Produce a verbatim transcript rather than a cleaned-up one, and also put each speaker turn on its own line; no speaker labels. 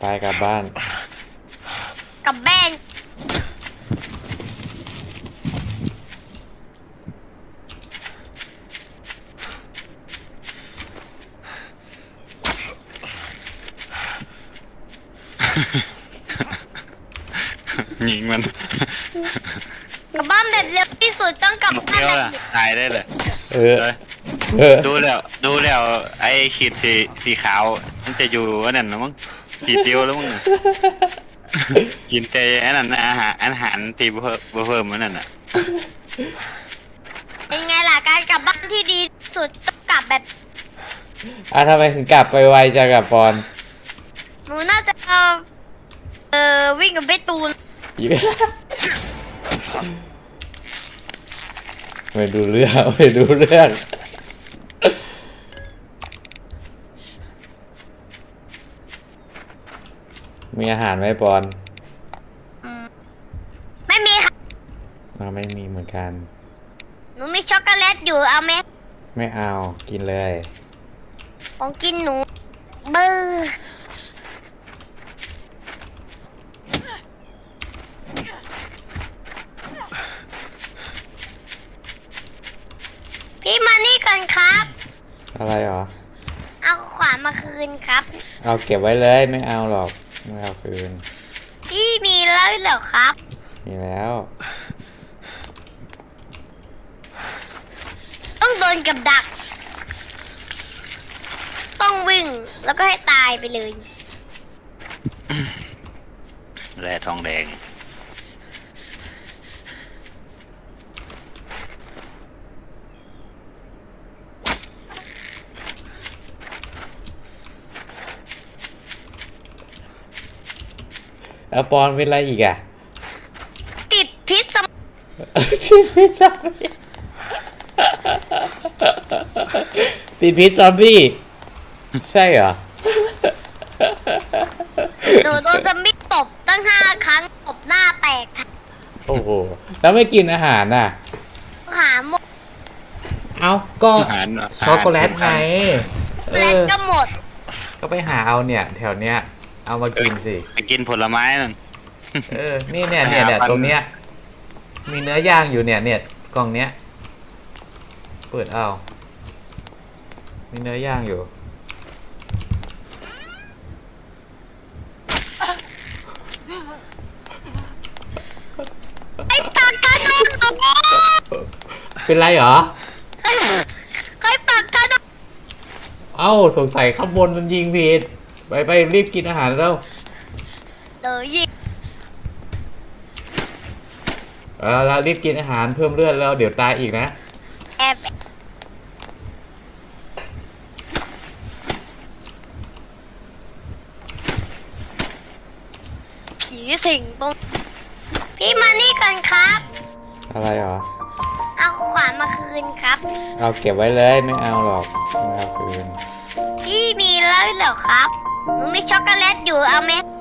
กลับบ้าน
กลับบ้าน
ยิงมัน
กลับบ้านแบบเร็วที่สุดต้องกลับบ้าน
เดียว
แบบ
ละตายได้เลย
เออ
เลย
เออ
ดูแล้วดูแล้วไอ้ขีดสีสีขาวมันจะอยู่อันนั้นนะมั้งขีดเดียวแล้วมั้งกินแต่อันนั้นอาหารอาหารตีเพิ่มเพิ่มมันนั่นอ่ะ
เป็นไงล่ะการกลับบ้านที่ดีที่สุดต้องกลับแบบ
อ่ะทำไมถึงกลับไปไวจังกับปอน
หนูน่าจะเออเออวิ่งกับเบตูน
ไม่ดูเรื่องไม่ดูเรื่องมีอาหารไหมปอน
ไม่มีค่ะ
เราไม่มีเหมือนกัน
หนูมีช็อกโกแลตอยู่เอาไหม
ไม่เอากินเลย
ของกินหนูเบอร์พี่มานี่ก่อนครับ
อะไรหรอ
เอาขวานมาคืนครับ
เอาเก็บไว้เลยไม่เอาหรอกไม่เอาคืน
พี่มีแล้วเหรอครับ
มีแล้ว
ต้องโดนกับดัก ต้องวิ่งแล้วก็ให้ตายไปเลย
แร่ทองแดง
แล้วปอนเป็นอะไรอีกอ่ะ
ติดพิษสม
ติดพิษซอมบี้ติดพิษซอมบี้ใช่เหรอ
หนูโดนซอมบี้ตบตั้งห้าครั้งตบหน้าแตก
โอ้โหแล้วไม่กินอาหารน่ะ
หาหมด
เอาก็
อาหาร
ช็อกโกแลตไงเอ
และ
อ
ก็หมด
ก็ไปหาเอาเนี่ย แถวเนี้ย เอามากินสิ
ไปกินผลไม้นั่น
เออ นี่เนี่ยเนี่ยเนี่ยตรงเนี้ย มีเนื้อย่างอยู่เนี่ยเนี่ยกล่องเนี้ย เปิดเอา มีเนื้อย่างอยู่
ไอ้ปากกาโดนตบ
เป็นไรเหรอ
ใครปากกาโดน
เอ้าสงสัยข้างบนมันยิงผิด ไปไปรีบกินอาหารแล้ว
เดี๋ยวยิง
เอาละรีบกินอาหารเพิ่มเลือดแล้วเดี๋ยวตายอีกนะ
แอบผีสิงตรงพี่มานี่ก่อนครับ
อะไรเหรอ
เอาขวานมาคืนครับ
เอาเก็บไว้เลยไม่เอาหรอกไม่เอาคืน
พี่มีแล้วเหรอครับ หนูมีช็อกโกแลตอยู่เอาไหม